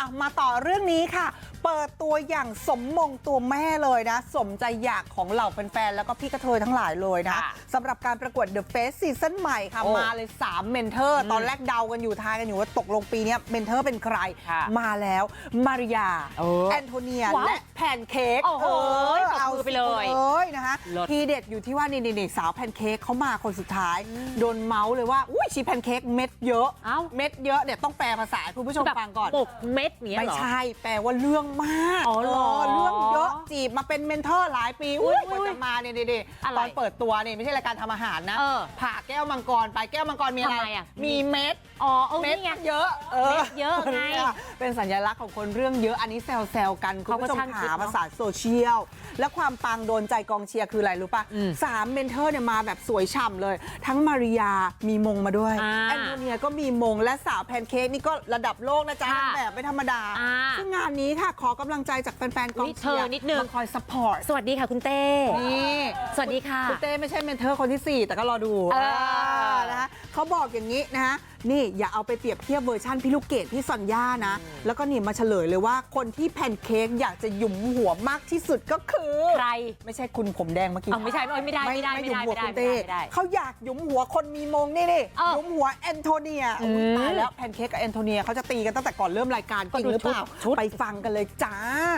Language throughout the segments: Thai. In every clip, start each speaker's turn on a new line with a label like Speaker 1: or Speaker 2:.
Speaker 1: มาต่อเรื่องนี้ค่ะเปิดตัวอย่างสมมงตัวแม่เลยนะสมใจอยากของเหล่าแฟนๆแล้วก็พี่กระเทยทั้งหลายเลยนะสำหรับการประกวด The Face ซีซั่นใหม่ค่ะมาเลย3เมนเทอร์ตอนแรกเดากันอยู่ทายกันอยู่ว่าตกลงปีนี้เมนเทอร์เป็นใครมาแล้วมาริยาแอนโทเนียและแพนเค้ก
Speaker 2: เอาไปเลย
Speaker 1: นะคะทีเด็ดอยู่ที่ว่านี่สาวแพนเค้กเขามาคนสุดท้ายโดนเมาส์เลยว่าอุ้ยชีแพนเค้กเม็ดเยอะเม็ดเยอะเนี่ยต้องแปลภาษาคุณผู้ชมฟังก่อน
Speaker 2: ปกเม็ดเนี้ย
Speaker 1: ไม่ใช่แปลว่าเรื่องมากเรื่องเยอะจีบมาเป็นเมนเทอร์หลายปีกว่าจะมาเนี่ยตอนเปิดตัวนี่ไม่ใช่รายการทำอาหารนะผ่าแก้วมังกรไปแก้วมังกรมีอะไรมีเม็ดเม็ดเยอะ
Speaker 2: เม็ดเยอะไง
Speaker 1: เป็นสัญลักษณ์ของคนเรื่องเยอะอันนี้แซวกันคุณผู้ชมขาภาษาโซเชียลและความปังโดนใจกองเชียร์คืออะไรรู้ป่ะ3เมนเทอร์เนี่ยมาแบบสวยฉ่ำเลยทั้งมาริยามีมงมาด้วยแอนโทเนียก็มีมงและสาวแพนเค้กนี่ก็ระดับโลกนะจ๊ะแบบไม่ธรรมดาซึ่งงานนี้ค่ะขอกำลังใจจากแฟนๆกองเชียร์
Speaker 2: นิดนึง
Speaker 1: คอยซัพพอร์ต
Speaker 2: สวัสดีค่ะคุณเต้
Speaker 1: นี่
Speaker 2: สวัสดีค่ะ
Speaker 1: คุณเต้ไม่ใช่เมนเทอร์คนที่4แต่ก็รอดูนะคะเขาบอกอย่างนี้นะคะนี่อย่าเอาไปเปรียบเทียบเวอร์ชั่นพี่ลูกเกดพี่ซอนย่านะแล้วก็นี่มาเฉลยเลยว่าคนที่แพนเค้กอยากจะหยุมหัวมากที่สุดก็คือ
Speaker 2: ใคร
Speaker 1: ไม่ใช่คุณผมแดงเมื่อกี้
Speaker 2: ไม่ใช่ไม่ได้
Speaker 1: หยุมหัวคุณเต้เขาอยากหยุมหัวคนมีมงนี่หยุมหัวแอนโทเนียตายแล้วแพนเค้กกับแอนโทเนียเขาจะตีกันตั้งแต่ก่อนเริ่มรายการจริงหรือเปล่าไปฟังกันเลยจ้า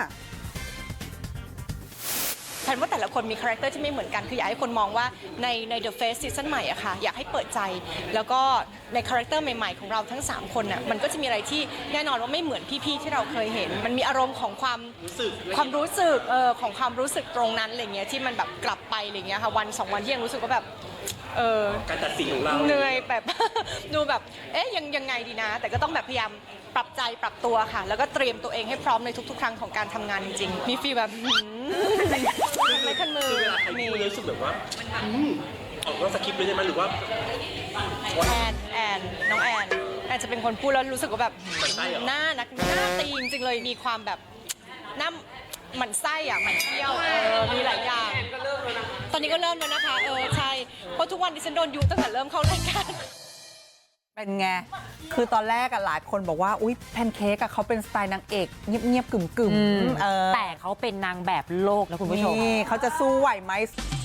Speaker 3: แพนว่าแต่ละคนมีคาแรคเตอร์ที่ไม่เหมือนกันคืออยากให้คนมองว่าใน The Face ซีซั่นใหม่อะค่ะอยากให้เปิดใจแล้วก็ในคาแรคเตอร์ใหม่ๆของเราทั้ง3คนน่ะมันก็จะมีอะไรที่แน่นอนว่าไม่เหมือนพี่ๆที่เราเคยเห็นมันมีอารมณ์ของความรู้สึกของความรู้สึกตรงนั้นอะไรเงี้ยที่มันแบบกลับไปอะไรเงี้ยค่ะวัน2วันที่ยังรู้สึกว่าแบบ
Speaker 4: การตัดสินของเรา
Speaker 3: เหนื่อยแบบ ดูแบบยังไงดีนะแต่ก็ต้องแบบพยายามปรับใจปรับตัวค่ะแล้วก็เตรียมตัวเองให้พร้อมในทุกๆครั้งของการทำงานจริงๆมีฟีลแบบไม่คันมือ
Speaker 4: เวลาใครพูดรู้สึกแบบว่าออกนอกสคริปต์เลยใช่ไหมหรือว่า
Speaker 3: แอนน้องแอนจะเป็นคนพูดแล้วรู้สึกว่าแบบหน้าตีจริงๆเลยมีความแบบหน้าหมั่นไส้อ่ะหมั่นเที่ยวมีหลายอย่างตอนนี้ก็เริ่มแล้วนะคะใช่เพราะทุกวันดิฉันโดนยุตั้งแต่เริ่มเข้ารายการ
Speaker 1: เป็นไงคือตอนแรกหลายคนบอกว่าอุ๊ยแพนเค้กเขาเป็นสไตล์นางเอกเงียบๆกึ่ม
Speaker 2: แต่เขาเป็นนางแบบโลกนะคุณผู้ชม
Speaker 1: นี่เขาจะสู้ไหวไหม